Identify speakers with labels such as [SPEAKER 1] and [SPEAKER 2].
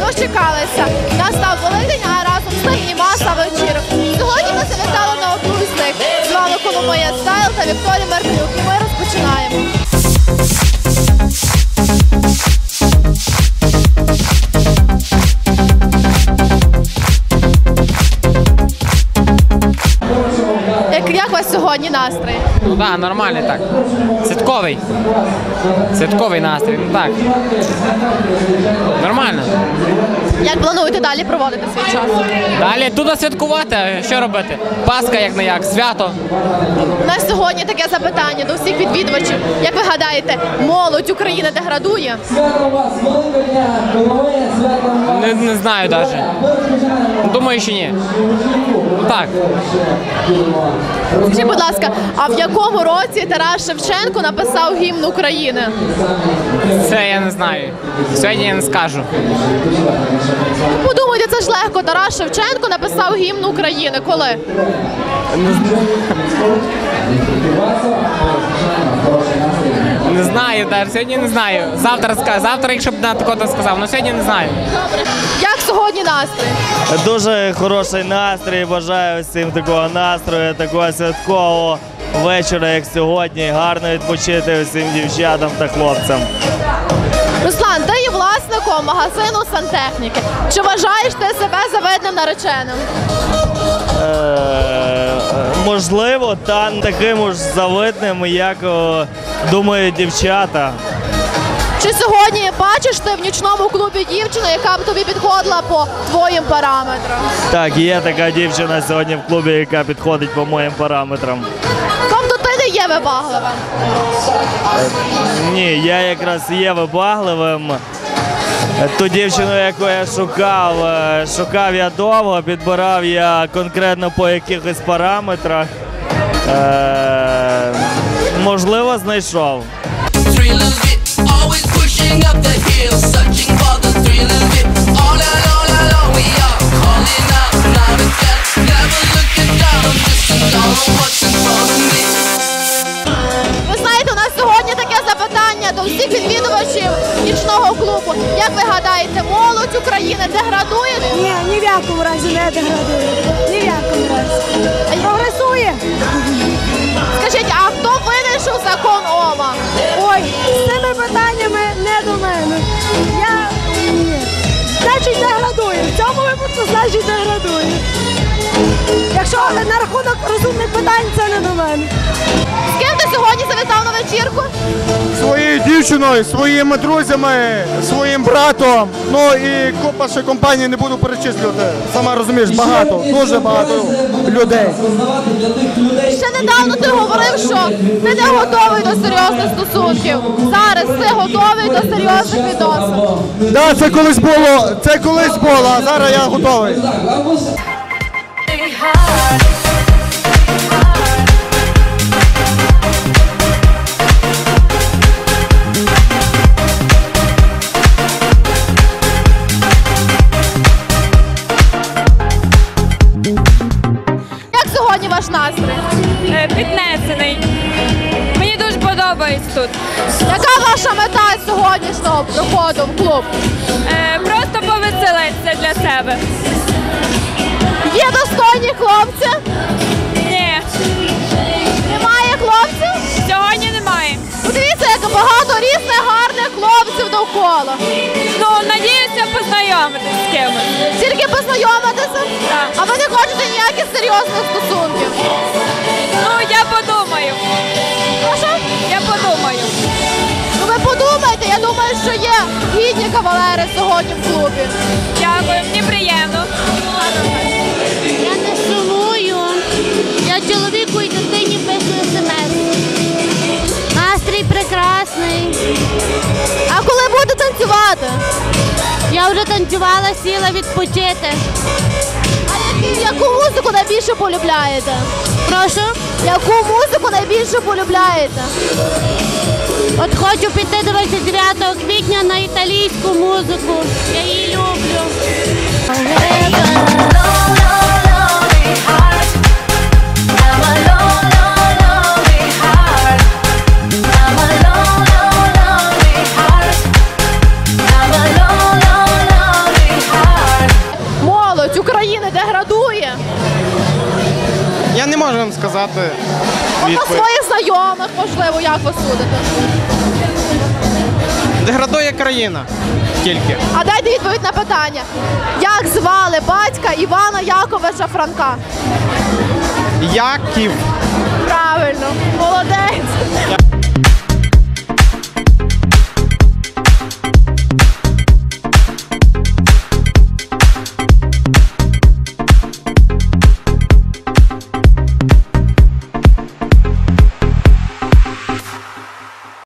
[SPEAKER 1] дочекалися. Настав Великдень, а разом з ним і маса вечірок. Сьогодні ми завітали на одну з них. З вами Коломия Стайл та Вікторія Меркалюк. І ми розпочинаємо. Як у вас сьогодні настрій?
[SPEAKER 2] Ну так, нормальний так. Святковий. Святковий настрій, ну так. Нормально.
[SPEAKER 1] Як плануєте далі проводити свій час?
[SPEAKER 2] Далі туди святкувати, а що робити? Пасха як не як, свято.
[SPEAKER 1] У нас сьогодні таке запитання до всіх відвідувачів. Як ви гадаєте, молодь України деградує?
[SPEAKER 2] Не знаю навіть. Думаю, що ні. Ну так.
[SPEAKER 1] Скажіть, будь ласка, а в якому році Тарас Шевченко написав гімн України?
[SPEAKER 2] Це я не знаю. Сьогодні я не скажу.
[SPEAKER 1] Подумайте, це ж легко. Тарас Шевченко написав гімн України. Коли?
[SPEAKER 2] Не знаю, навіть. Сьогодні не знаю. Завтра, якщо б на такого сказав, але сьогодні не знаю.
[SPEAKER 1] Добре. Як сьогодні настрій?
[SPEAKER 3] Дуже хороший настрій, бажаю всім такого настрою, такого святкового вечора, як сьогодні. Гарно відпочити всім дівчатам та хлопцям.
[SPEAKER 1] Руслан, ти є власником магазину сантехніки. Чи вважаєш ти себе завидним нареченим?
[SPEAKER 3] Можливо, та не таким уж завидним, як думають дівчата.
[SPEAKER 1] Чи сьогодні бачиш ти в нічному клубі дівчину, яка б тобі підходила по твоїм параметрам?
[SPEAKER 3] Так, є така дівчина сьогодні в клубі, яка підходить по моїм параметрам.
[SPEAKER 1] Тобто ти не є вибагливим?
[SPEAKER 3] Ні, я якраз є вибагливим. Ту дівчину, яку я шукав я довго, підбирав я конкретно по якихось параметрах. Можливо, знайшов.
[SPEAKER 1] Ви знаєте, у нас сьогодні таке запитання до всіх відвідувачів нічного клубу. Як ви гадаєте, молодь України деградує?
[SPEAKER 4] Ні, ні в якому разі не деградує. Ні в якому разі. Прогресує.
[SPEAKER 1] Скажіть, а хто винайшов закон Ома?
[SPEAKER 4] Ой, з цими питаннями не до мене. Ні. Значить, деградує. В цьому випадку, значить, деградує. Якщо на рахунок розумних питань, це не до мене.
[SPEAKER 1] З ким ти сьогодні завітав на вечірку?
[SPEAKER 5] Своєю дівчиною, своїми друзями, своїм братом, ну і купа ще компаній не буду перечислювати. Сама розумієш, багато, дуже багато людей.
[SPEAKER 1] Ще недавно ти говорив, що ти не готовий до серйозних стосунків. Зараз ти готовий до серйозних відносин.
[SPEAKER 5] Так, це колись було, а зараз я готовий.
[SPEAKER 1] Як сьогодні ваш настрій?
[SPEAKER 6] Піднесений. Мені дуже подобається тут.
[SPEAKER 1] Яка ваша мета сьогоднішнього приходу в клуб?
[SPEAKER 6] Просто повеселитися для себе.
[SPEAKER 1] Є достойні хлопці?
[SPEAKER 6] Ні,
[SPEAKER 1] Немає хлопців?
[SPEAKER 6] сьогодні немає.
[SPEAKER 1] Подивіться, як багато різних гарних хлопців довкола.
[SPEAKER 6] Ну, надіюся познайомитися з кимось.
[SPEAKER 1] Тільки познайомитися?
[SPEAKER 6] Так.
[SPEAKER 1] А ви не хочете ніяких серйозних стосунків?
[SPEAKER 6] Ну, я подумаю.
[SPEAKER 1] Прошу?
[SPEAKER 6] Я подумаю.
[SPEAKER 1] Ну ви подумайте, я думаю, що є гідні кавалери сьогодні в клубі.
[SPEAKER 6] Дякую, мені приємно.
[SPEAKER 7] Я не сумую. Я чоловіку і дитині пишу смс. Настрій прекрасний.
[SPEAKER 1] А коли будете танцювати?
[SPEAKER 7] Я вже танцювала, сіла відпочити.
[SPEAKER 1] А яку музику найбільше полюбляєте?
[SPEAKER 7] Прошу?
[SPEAKER 1] Яку музику найбільше полюбляєте?
[SPEAKER 7] От хочу піти 29 квітня на італійську музику. Я її люблю.
[SPEAKER 8] можу вам сказати
[SPEAKER 1] От на
[SPEAKER 8] відповідь.
[SPEAKER 1] своїх знайомих, можливо, як ви судите?
[SPEAKER 8] Деградує країна тільки.
[SPEAKER 1] А дайте відповідь на питання. Як звали батька Івана Яковича Франка?
[SPEAKER 8] Яків.
[SPEAKER 1] Правильно, молодець.